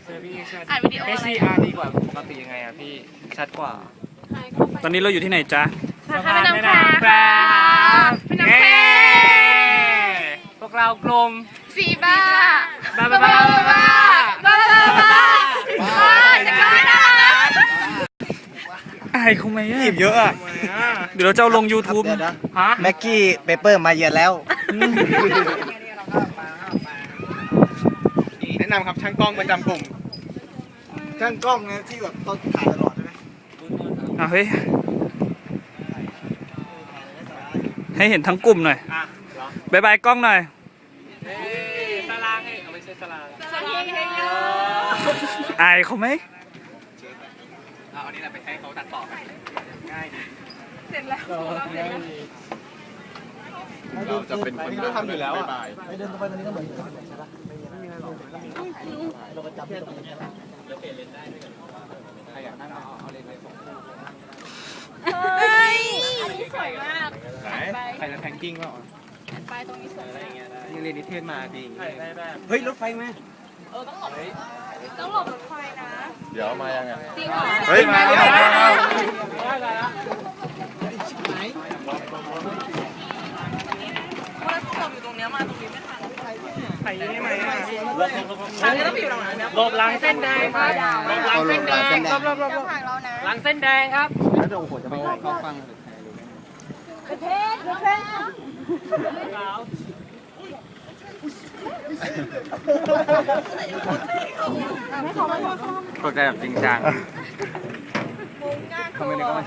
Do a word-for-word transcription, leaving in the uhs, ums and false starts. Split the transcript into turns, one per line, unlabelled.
เซอร์พี่ชัด
อ่านวิดีโอ
เอ
อะไร
ซีอาร์ดีกว่าปกติยังไงอะพี่ชัดกว่า
ตอนนี้เราอยู่ที่ไหนจ๊ะ
สาขาแม่น้ำแควครับแม่น้ำแคว
พวกเรากลม
สีบ้า
บ้าบ้าบ้าบ้าบ้า
บ้าบ้าบ้าบ้าจะกล้านะ
อายเขาไหมอะ
หยิบเยอะอ่ะ
เดี๋ยวเราจะเอาลง YouTube
เดี๋ยวนะ
ฮะ
แม็กกี้เปเปอร์มาเยือนแล้ว
แนะนำครับช่างกล้องประจำกลุ่ม
ช่างกล้องเนี่ยที่แบบต้องถ่ายตลอดใช่ไหม
อ่ะเฮ้ย ให้เห็นทั้งกลุ่มหน่อยบายบายกล้องหน่อย
เอ้ยสลางให้เอาไม่ใช่สลาง
สวัสดีค่ะ
อายเขาไหม
เอาอันนี้แหละไปให้เขาตัดต่อกันง่ายดี
เสร็จแล้ว
เราจะเป็นคนที่ทำอยู่แล้วอ่ะ
ไปเดินตรงไปตรงนี้ก็เหมือนกันใช่ปะไม่มีอะไรเราก็จับที่ตรงนี้ใช่ปะ
ใครอยากนั่งเอาเอาเลนส์ไปส่ง
เฮ้ยอันนี้สวยมาก
ไหนใครจะแทงกิ้งเปล่า
ไปตรงนี้สวยมาก
นี่เรียนนิเทศมาดี
ใช่ได้ได้
เฮ้ยรถไฟไหม
ต้องหลบรถไฟนะ
เดี๋ยวมายังไง
จริงเหรอ
เฮ้ยมาแล้ว
ได้ได้แล้ว
ว่าจบอยู่ตรงเนี้ยมาตรงนี้ไม่ทัน
ใครได้ไหมหลบหลังเส้นแดงครับหลบหลังเส้นแดงหลบหลบหลบหลบ
ทางเรานะ
หลังเส้นแดงครับ
แล้วจะโอ้โหจะไปเข้าฟัง
ประเทศประเทศ
ตกใจแบบจริงจัง